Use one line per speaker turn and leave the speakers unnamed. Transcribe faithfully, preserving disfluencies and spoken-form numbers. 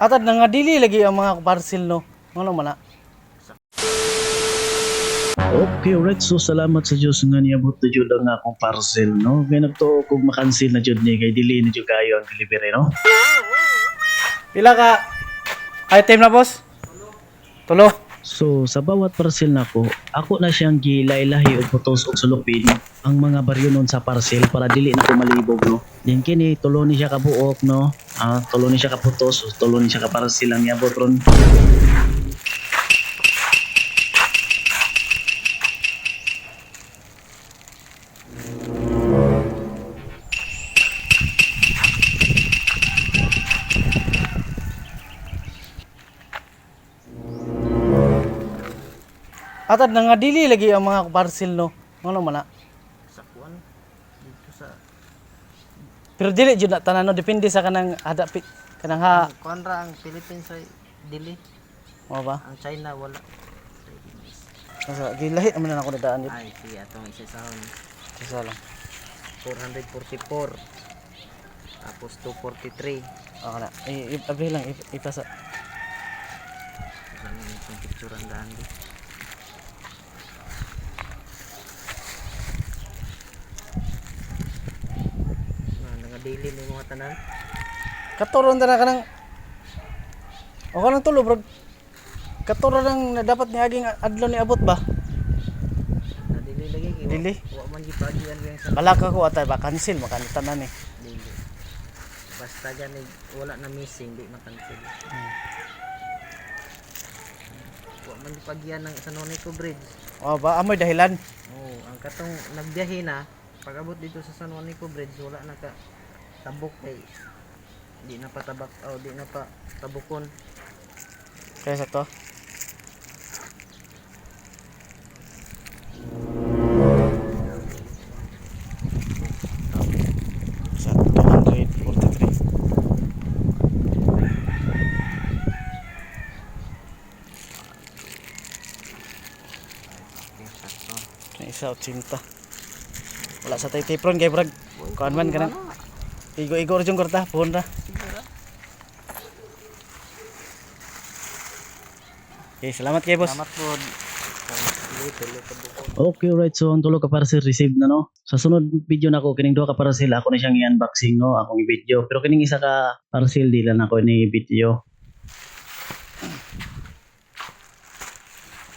Atad na nga dili lagi ang mga parcel no. Ano man na?
Okay, alright. So, salamat sa Diyos nga niabot na Diyod ang akong parcel, no? Kaya nagtuo kung makansil na Diyod ni, kay dili na Diyod kayo ang delivery, no?
Pila ka item na boss? Tulo.
So, sa bawat parcel na ko, ako na siyang gilay-lahi o putos o sulupin ang mga baryo nun sa parcel para dili na ko malibog, no? Din kini, tulo ni siya kabuok, no? Ah, tulo ni siya kaputos, o tulo ni siya kaparcel ang niabot ron.
Atad na nga dili lagi ang mga parcel no. Ano man na?
Sa kuan dito sa
Pero dili jud na tanan no, depende sa kanang hada pi- kanang ha.
kuan ra ang Philippines ay dili,
Mo ba?
ang China wala.
Asa gilahi naman na ako nadaan dito.
Ay si atong isa sa
Isa lang.
four forty-four tapos two forty-three.
Ako na. I, i, abi lang i- ipasa.
Ano yung picture ang daan di. Na nga daily ni mga tanan.
Katuron ta na kanang o kanang tulo bro. Katuron lang na dapat ni aging adlaw ni abot ba?
Na dili lagi kay
Dili?
wa man gipagian yang sa
Bala ka ko atay ba cancel makanitan na ni.
dili. Basta gani wala na missing di makancel. Wa man gipagian ng sa Nonico Bridge.
O ba amoy dahilan.
Oh, ang katong nagbiyahe na, pag-abot dito sa San Juanico Bridge, wala na ka tabok kay di na pa tabak, oh, di na pa tabukon.
Kaya sa to. Sa two forty-three. Kaya isa otsinta. Wala sa tay tipron kay brag. Kuan man kanang igo-igo ra jung korta, puhon ra. Okay, salamat kay boss.
Salamat po. Tuloy-tuloy tabukon.
Okay, alright. So, ang tulo ka parcel received na, no? Sa sunod video na ko, kining duha ka parcel, ako na siyang i-unboxing, no? Akong i-video. Pero kining isa ka parcel, di lang ako ni video.